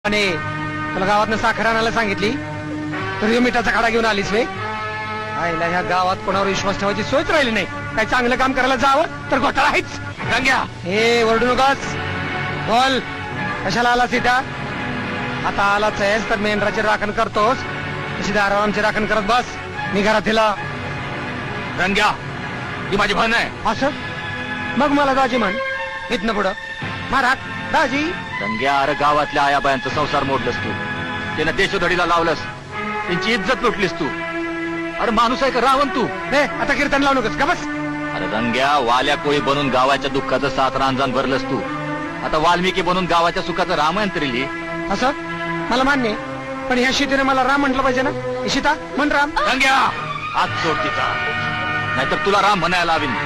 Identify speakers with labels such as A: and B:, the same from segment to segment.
A: आणि तुला गावातनं साखर आणायला सांगितली तर मिठाचा खाडा घेऊन आलीस वे. आईला ह्या गावात कोणावर विश्वास ठेवायची सोयच राहिली नाही. काही चांगलं काम करायला जावं तर घोटाळा आहेच.
B: गंग्या,
A: हे वरडू नकोस. बोल, कशाला आलास इथं? आता आलाच आहेस तर मेंढराची राखण करतोस तशी दारावर आमची राखण करत बस. मी घरात दिला
B: गंग्या, ती माझी बहीण आहे.
A: असं मग मला दाजी म्हण. इथनं पुढं महाराज दाजी.
B: गंग्या, अरे गावातल्या आयाबायांचा संसार मोडलंस तू. त्यानं देशोधडीला लावलंस, त्यांची इज्जत लुटलीस तू. अरे माणूस आहे का रावण तू?
A: हे आता कीर्तन लावू नकोस का बस.
B: अरे गंग्या, वाल्या कोळी बनून गावाच्या दुःखाचं 7 रांजण भरलंस तू. आता वाल्मिकी बनून गावाच्या सुखाचं रामायण तरी लिही.
A: असं मला मान्य आहे, पण ह्या शीतेने मला राम म्हटलं पाहिजे ना. सीता म्हण राम.
B: गंग्या, हात सोड तिचा, नाहीतर तुला राम म्हणायला लावीन.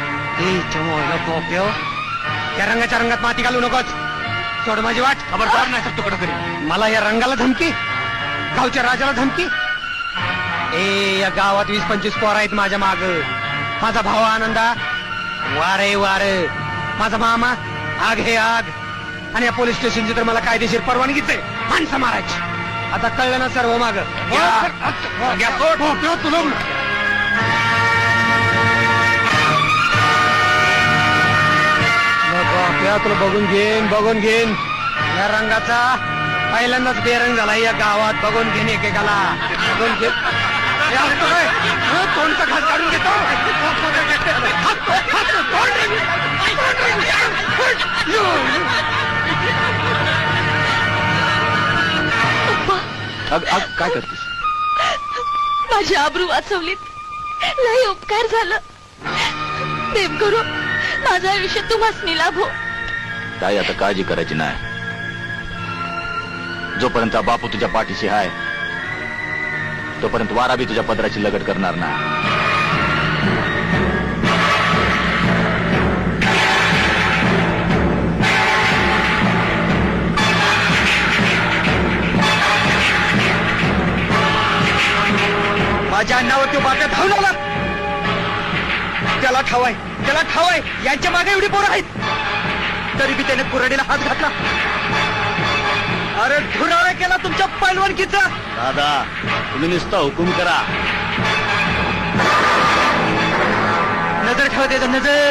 A: त्या रंगाच्या रंगात माती घालू नकोच. सोड माझी वाट.
B: खबरदार नाही तर तुकडं करी.
A: मला या रंगाला धमकी, गावच्या राजाला धमकी. या गावात 20-25 पोर आहेत माझ्या माग. माझा भाऊ आनंदा वारे वार, माझा मामा आग हे आग, आणि या पोलीस स्टेशनची तर मला कायदेशीर परवानगीच आहे माणसं मारायची. आता कळलं ना सर्व माग. तुला बघून घेईन या रंगाचा पहिल्यांदाच बेरंग झाला या गावात. बघून घेईन एकेकाला. बघून घेईन. तोंडचा घास काढून घेतो.
B: काय करतेस?
C: माझी आबरू वाचवलीत. लय उपकार झालं. प्रेम करू माझं आयुष्य तुम्हाच लाभो.
B: ताई, आता काळजी करायची नाही. जोपर्यंत बापू तुझ्या पाठीशी आहे तोपर्यंत वारा बी तुझ्या पदराची लगट करणार नाही.
A: माझ्या अन्नावर तो बाप्या धावून आला. त्याला ठावाय यांच्या मागे एवढी पोरं आहेत, तरी बी त्याने कुऱ्हाडीला हात घातला. अरे धुराळा केला तुमच्या पैलवानकीचा.
B: दादा, तुम्ही नुसता हुकूम करा.
A: नजर ठेवा त्याचा, नजर.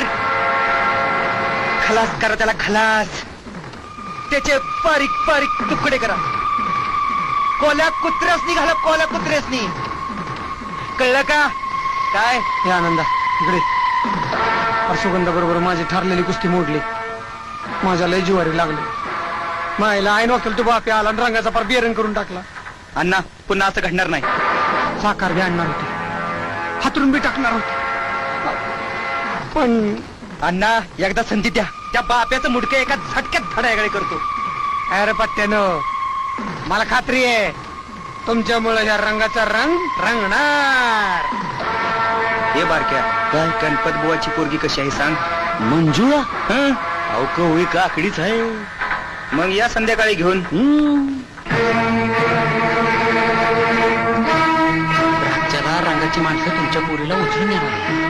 A: खलास करा त्याला, खलास. त्याचे बारीक बारीक तुकडे करा. कोल्या कुत्र्यासनी घाला, कोल्या कुत्र्यासनी. कळलं का? काय हे आनंदा इकडे. सुगंधा बरोबर माझी ठरलेली कुस्ती मोडली. माझ्या लय जिवारी लागली. मायला ऐन वाकेल तो बापे आला आणि रंगाचा पार बेरंग करून टाकला.
B: अण्णा, पुन्हा असं घडणार नाही.
A: साकार बी आणणार होते, हातरून बी टाकणार होते, पण
B: अण्णा एकदा संधी द्या. त्या बाप्याचं मुडकं एका झटक्यात धडायगळे करतो.
A: अरे पत्त्यानो, मला खात्री आहे तुमच्यामुळे या रंगाचा रंग रंगणार.
B: हे बारक्या, काय गणपत बुवाची पोरगी कशी आहे सांग? मंजुळा? अवक होई का आकडीच आहे. मग या संध्याकाळी घेऊन.
A: राज्याला रंगाची माणसं तुमच्या पोरीला उचलून येणार.